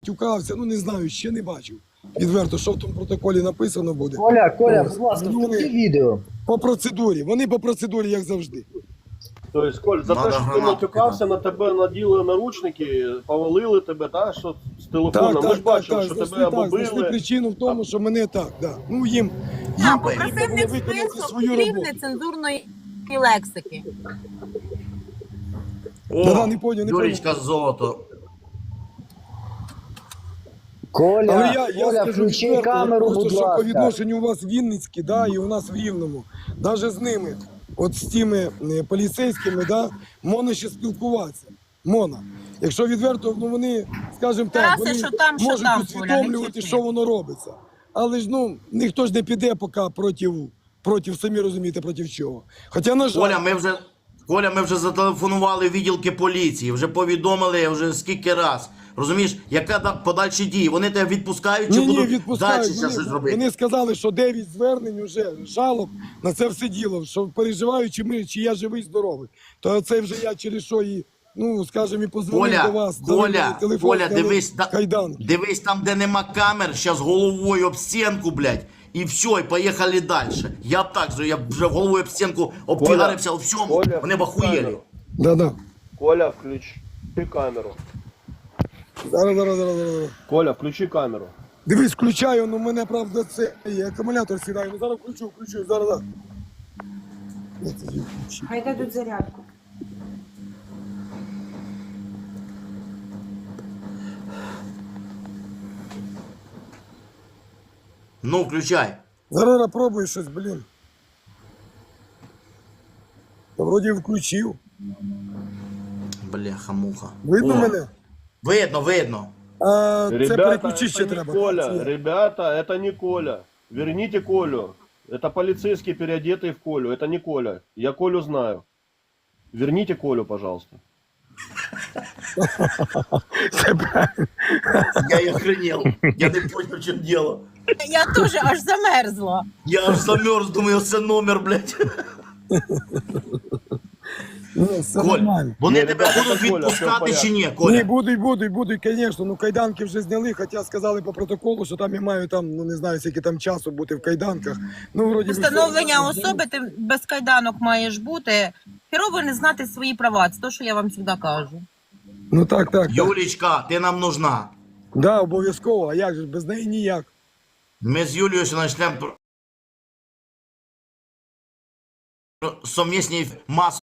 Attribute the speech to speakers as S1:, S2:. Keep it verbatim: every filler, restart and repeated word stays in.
S1: тюкався, ну не знаю, ще не бачив. Відверто, що в тому протоколі написано буде.
S2: Коля, Коля,
S1: Ось.
S2: будь ласка,
S1: Ну, вони
S2: включи відео.
S1: по процедурі, вони по процедурі, як завжди.
S3: Тобто, Коль, за
S4: Надо
S3: те, що ти
S4: гранату
S3: матюкався, на тебе наділи наручники, повалили тебе, так, що з телефоном.
S1: Так,
S3: Ми
S1: так,
S3: ж
S1: так,
S3: бачили,
S1: так,
S3: що
S1: знайшли,
S3: тебе
S1: так, знайшли
S3: побили.
S1: причину в тому, що мене так, да. Ну їм, їм
S5: Так,
S1: потрібно
S5: попросив
S1: було
S5: не
S1: виконати
S5: список,
S1: свою
S5: крім
S1: роботу.
S5: нецензурної лексики.
S1: Да-да, не поняв, не поняв.
S4: Юрічка золото.
S2: Коля,
S1: Але я, я
S2: Коля,
S1: скажу
S2: включи
S1: відверто,
S2: камеру,
S1: просто,
S2: будь
S1: що по
S2: ласка.
S1: відношенню у вас в Вінницькій, да, і у нас в Рівному, навіть з ними, от з тими е, поліцейськими, да, можна ще спілкуватися. Можна. Якщо відверто, ну вони, скажімо так,
S5: Тарасе,
S1: вони
S5: що там, що
S1: можуть
S5: там, Коля, не
S1: усвідомлювати,
S5: кричи.
S1: що воно робиться. Але ж, ну, ніхто ж не піде поки проти, проти, самі розумієте, проти чого. Хоча, на жаль,
S4: Коля, ми вже, Коля, ми вже зателефонували в відділки поліції, вже повідомили вже скільки раз. Розумієш, яка да- подальші дії? Вони тебе відпускають чи
S1: ні, ні,
S4: будуть
S1: відпускають.
S4: далі ще
S1: Вони,
S4: щось робити?
S1: вони сказали, що дев'ять звернень вже, жалоб на це все діло, що переживають, чи, ми, чи я живий, здоровий. То це вже я через що і, ну, скажімо, і позвонив
S4: Коля,
S1: до вас. дали мені
S4: Коля,
S1: телефон,
S4: Коля,
S1: дали
S4: дивись, та-
S1: кайданки.
S4: дивись там, де нема камер, щас головою об стінку, блядь. І все, і поїхали далі. Я б так же, я б вже головою об стінку обтягарився у всьому.
S3: Коля,
S4: Вони б охуєли.
S3: камеру.
S1: Да-да.
S3: Коля, включи камеру.
S1: Зараз, зараз, зараз, зараз.
S3: Коля, включи камеру.
S1: Дивись, включаю, ну мене, правда, це є, акумулятор сідає. Ну зараз включу, включу, зараз, зараз. Я це включу.
S6: Хай дадуть зарядку.
S4: Ну, включай.
S1: Зараз я пробую щось, блін. Та вроді включив.
S4: Бляха-муха.
S1: Видно
S4: О,
S1: мене?
S4: Видно, видно.
S1: А це
S3: Ребята,
S1: переключити ще
S3: это не
S1: треба.
S3: Коля,
S1: Це-
S3: ребята, это не Коля. Верните Колю. Это полицейский, переодетый в Колю. Это не Коля. Я Колю знаю. Верните Колю, пожалуйста.
S4: Я і охренел. Я не понял, в чому діло.
S5: Я теж аж замерзла.
S4: Я аж замерз, думаю, це номер, блядь.
S1: Ну, все
S4: Коль,
S1: нормально.
S4: вони
S3: Ні,
S4: тебе
S3: ребята,
S4: будуть
S3: це Коля, все в
S4: відпускати
S3: порядку.
S4: чи ні,
S1: Ні,
S4: Коля?
S1: будуть, будуть, будуть, звісно. Ну, кайданки вже зняли, хоча сказали по протоколу, що там я маю там, ну не знаю, скільки там часу бути в кайданках. Ну, вроді би,
S5: Встановлення
S1: все.
S5: особи, ти без кайданок маєш бути. Херово не знати свої права. Це те, що я вам завжди кажу.
S1: Ну так, так, так.
S4: Юлічка, ти нам нужна.
S1: Да, обов'язково, а як же, без неї ніяк.
S4: Ми з Юлією ще почнемо совмісні маси.